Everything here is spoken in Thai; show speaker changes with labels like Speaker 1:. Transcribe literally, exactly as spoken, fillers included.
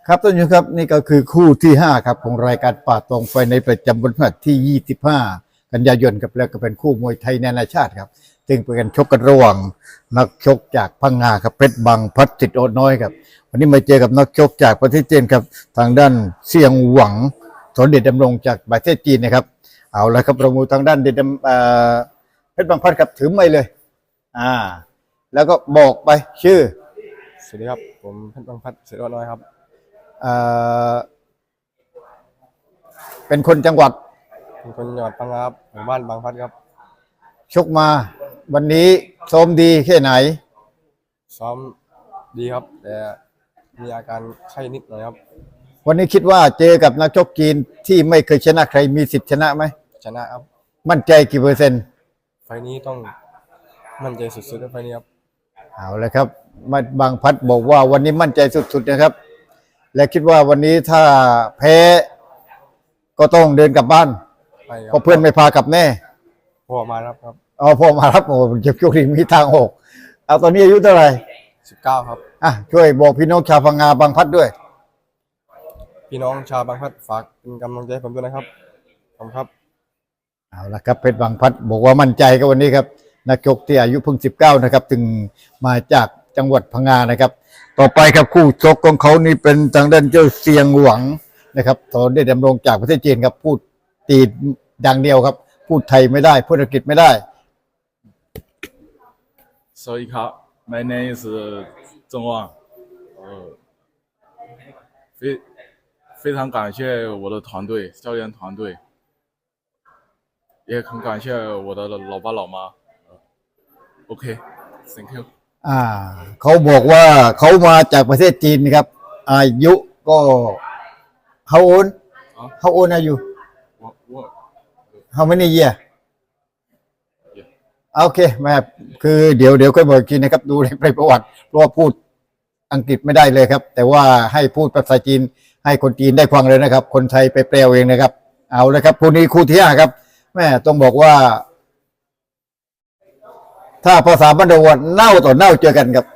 Speaker 1: ครับท่านผู้ชมครับนี่ก็คือคู่ที่ห้าครับของรายการป่าตองไฟในประจำวันพฤหัสที่ยี่สิบห้ากันยายนครับแล้วก็เป็นคู่มวยไทยนานาชาติครับซึ่งเป็นการชกกันระหว่างนักชกจากพังงาครับเพชรบางพัดจิตโอน้อยครับวันนี้มาเจอกับนักชกจากประเทศจีนครับทางด้านเซียงหวังสนเดชดำรงจากประเทศจีนนะครับเอาละครับเรามูทางด้านเดชเพชรบางพัดครับถือไม่เลยอ่าแล้วก็บอกไปชื่อ
Speaker 2: สวัสดีครับผมเพชรบางพัดเสือน้อยครับ
Speaker 1: เอ่อเป็นคนจังหวัด
Speaker 2: เป็นคนจังหวัดพังงาครับหมู่บ้านบางพัดครับ
Speaker 1: ชกมาวันนี้ซ้อมดีแค่ไหน
Speaker 2: ซ้อมดีครับแต่มีอาการไข้นิดหน่อยครับ
Speaker 1: วันนี้คิดว่าเจอกับนักชกจีนที่ไม่เคยชนะใครมีสิทธิ์ชนะไหม
Speaker 2: ชนะครับ
Speaker 1: มั่นใจกี่เปอร์เซ็นต์
Speaker 2: ไฟนี้ต้องมั่นใจสุดๆในไฟนี้ครับ
Speaker 1: เอาเลยครับมาบางพัดบอกว่าวันนี้มั่นใจสุดๆนะครับและคิดว่าวันนี้ถ้าแพ้ก็ต้องเดินกลับบ้านเพราะเพื่อนไม่พากลับแน่
Speaker 2: พ่อมารับครับ
Speaker 1: อ๋อพ่อมารับโอ้เจ็บโชคดีมีทางหกเอาตอนนี้อายุเท่าไหร่
Speaker 2: สิบเก้าครับ
Speaker 1: อ่ะช่วยบอกพี่น้องชาวพังงาบางพัดด้วย
Speaker 2: พี่น้องชาวบางพัดฝากเป็นกำลังใจให้ผมด้วยนะครับขอบคุณครับ
Speaker 1: เอาละครับเพชรบางพัดบอกว่ามั่นใจกับวันนี้ครับนักชกที่อายุเพิ่งสิบเก้านะครับถึงมาจากจังหวัดพังงานะครับต่อไปครับคู่ชกของเขานี่เป็นทางด้านเจ้าเซียงหวังนะครับสอนได้ดำรงจากประเทศจีนครับพูดจีนดังเดียวครับพูดไทยไม่ได้พูดอังกฤษไม่ได้
Speaker 3: สวัสดีครับ My name is 郑旺呃非非常感谢我的团队教练团队也很感谢我的老爸老妈 OK thank you
Speaker 1: อ่าเขาบอกว่าเขามาจากประเทศจีนครับอายุก็ how old how old are you how many year โอเคแม่คือเดี๋ยวเดี๋ยวค่อยบอกกินนะครับดูในประวัติเพราะว่าพูดอังกฤษไม่ได้เลยครับแต่ว่าให้พูดภาษาจีนให้คนจีนได้ฟังเลยนะครับคนไทยไปแปลเองนะครับเอาเลยครับคู่นี้คู่ที่ห้าครับแม่ต้องบอกว่าถ้าภาษาบ้านเราเน่าต่อเน่าเจอกันครับ